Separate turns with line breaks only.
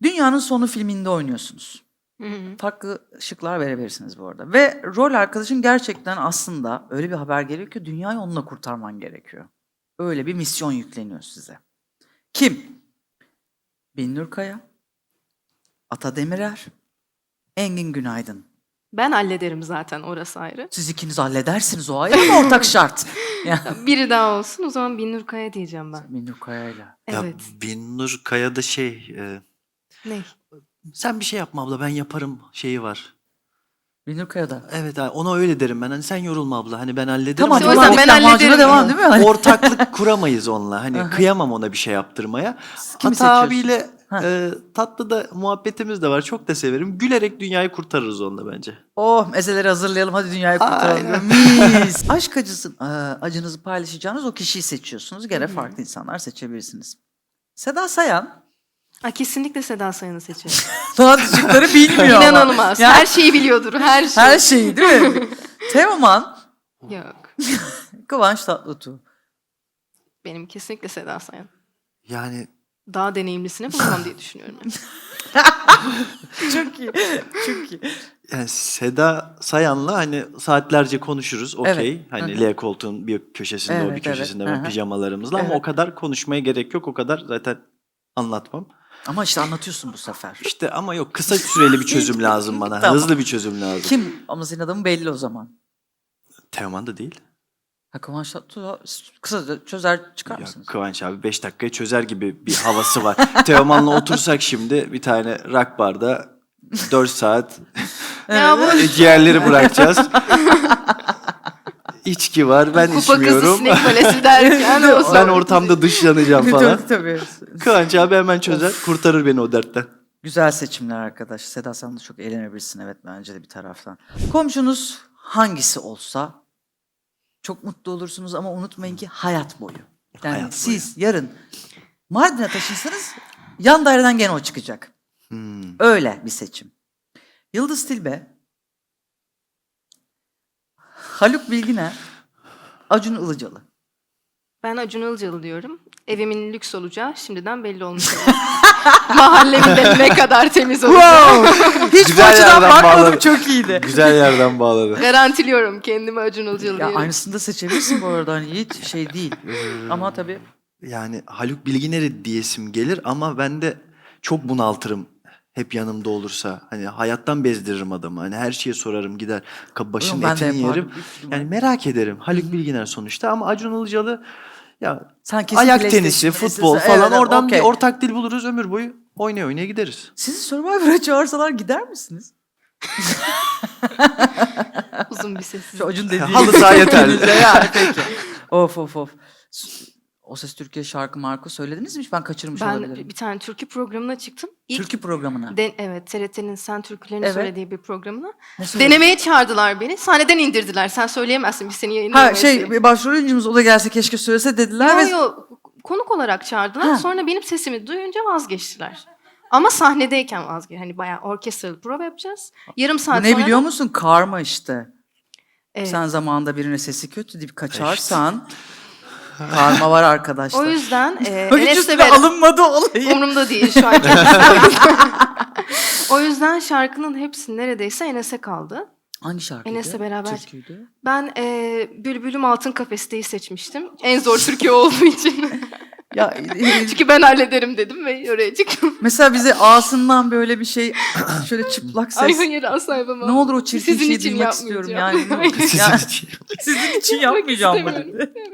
Dünyanın Sonu filminde oynuyorsunuz.
Hı hı.
Farklı şıklar verebilirsiniz bu arada. Ve rol arkadaşın gerçekten aslında öyle bir haber geliyor ki dünyayı onunla kurtarman gerekiyor. Öyle bir misyon yükleniyor size. Kim? Binnur Kaya, Ata Demirer, Engin Günaydın.
Ben hallederim zaten, orası ayrı.
Siz ikiniz halledersiniz, o ayrı ama ortak şart. Yani.
Biri daha olsun, o zaman Binnur Kaya diyeceğim ben.
Binnur Kaya'yla.
Ya
Evet.
Binnur Kaya'da
Ne?
sen bir şey yapma abla ben yaparım şeyi var.
Binnur Kaya'da.
Evet abi, ona öyle derim ben. Hani sen yorulma abla. Hani ben hallederim.
Tamam,
İşte
Hani
o yüzden ben
lahmacuna
hallederim.
devam değil mi? Hani
ortaklık kuramayız onunla. Hani
Aha.
kıyamam ona bir şey yaptırmaya.
kimi
Ata abiyle
seçiyorsun? Ha.
tatlı da muhabbetimiz de var. Çok da severim. Gülerek dünyayı kurtarırız onunla bence.
Oh, mezeleri hazırlayalım, hadi dünyayı kurtaralım.
Aynen.
Mis. Aşk acınızı paylaşacağınız o kişiyi seçiyorsunuz. Gene farklı insanlar seçebilirsiniz. Seda Sayan,
Kesinlikle Seda Sayan'ı seçerim.
daha şıkları bilmiyor ama.
İnanılmaz.
Ya,
Her şeyi biliyordur, her şey.
her şeyi değil mi? Teoman,
Yok.
Kıvanç Tatlıtuğ.
Benim kesinlikle Seda Sayan.
Yani
Daha deneyimlisini bulamam diye düşünüyorum. Yani.
Çok iyi, çok iyi.
Yani Seda Sayan'la hani saatlerce konuşuruz. Okey.
Evet.
Hani
Hı hı.
L koltuğun bir köşesinde o
Evet,
bir köşesinde
evet.
ben
Hı hı.
pijamalarımızla ama
Evet.
o kadar konuşmaya gerek yok. O kadar zaten anlatmam.
Ama işte anlatıyorsun bu sefer.
İşte ama yok, kısa süreli bir çözüm lazım bana.
Tamam.
Hızlı bir çözüm lazım.
Kim? Ama senin adamın belli o zaman.
Teoman da değil.
Ha, Kıvanç Tatlıtuğ kısa çözer çıkar
Ya
mısınız?
Kıvanç abi 5 dakikaya çözer gibi bir havası var. Teoman'la otursak şimdi bir tane rock barda 4 saat
Ya bu
ciğerleri bırakacağız. İçki var, ben
kupa kızı
içmiyorum.
sinek balesi derken o
Ben
sonra-
ortamda dışlanacağım falan.
Tabii.
Kıvanç abi hemen çözer, kurtarır beni o dertten.
Güzel seçimler arkadaş. Seda sen de çok eğlenebilirsin, evet, bence de bir taraftan. Komşunuz hangisi olsa çok mutlu olursunuz ama unutmayın ki hayat boyu. Yani
Hayat boyu.
siz yarın Mardin'e taşınsanız yan daireden gene o çıkacak.
Hmm.
Öyle bir seçim. Yıldız Tilbe, Haluk Bilginer, Acun Ilıcalı.
Ben Acun Ilıcalı diyorum. Evimin lüks olacağı şimdiden belli olmuş. Mahallemin de ne kadar temiz olacağı.
Hiç bu
Güzel
açıdan
yerden
bakmadım,
bağladın.
çok iyiydi.
Güzel yerden bağladı.
Garantiliyorum kendimi Acun Ilıcalı
Ya
diyorum.
aynısını da seçebilirsin bu arada, hani hiç şey değil. Ama tabii
Yani Haluk Bilginer'i diyesim gelir ama ben de çok bunaltırım hep yanımda olursa. Hani hayattan bezdiririm adamı. Hani her şeye sorarım, gider başının
ben de
etini
yapardım
yerim.
büyük ihtimal.
Yani merak ederim. Haluk Bilginer sonuçta ama Acun Ilıcalı ya
sen kesin
ayak
PlayStation,
tenisi, futbol
PlayStation,
falan
evet,
oradan
okey.
bir ortak dil buluruz, ömür boyu oynaya oynaya gideriz.
Sizi Survivor'a çağırsalar gider misiniz?
Uzun bir sessiz.
Şu Acun dediği
Halı saha yeterli.
Yani peki. Of. O Ses Türkiye şarkı marka söylediniz mi? Hiç ben kaçırmış
Ben
olabilirim.
bir tane türkü programına çıktım. İlk
Türkü programına.
evet, TRT'nin Sen Türkülerini
Evet.
söylediği bir programına.
Ne söyledin?
Denemeye çağırdılar beni. Sahneden indirdiler. Sen söyleyemezsin, biz seni
Ha
yayınlayamayız.
bir başrol oyuncumuz o da gelse keşke söylese dediler ve
Yo, konuk olarak çağırdılar.
Ha.
Sonra benim sesimi duyunca vazgeçtiler. Ama sahnedeyken hani bayağı orkestralı prova yapacağız. Yarım
bu
saat
ne
sonra
biliyor
da-
musun? Karma işte.
Evet.
Sen zamanında birine sesi kötü deyip kaçarsan karma var arkadaşlar.
O yüzden
Hiç
Enes'le
üstüne
beraber...
alınmadı olayı.
Umurumda değil şu an. O yüzden şarkının hepsi neredeyse Enes'e kaldı.
Hangi şarkıydı?
Enes'le beraber.
Türküydü.
Ben Bülbülüm Altın Kafeste'yi seçmiştim. En zor Türkiye olduğu için.
Ya
Çünkü ben hallederim dedim ve oraya çıktım.
mesela bize ağzından böyle bir şey şöyle çıplak
Ay
ses.
hayır, asla yapamam.
Ne olur o çirkin
Sizin
şeyi
için
duymak istiyorum
yapmayacağım.
yani.
Sizin
Ya-
için.
Sizin için
Yapmak
yapmayacağım bunu.
istemiyorum.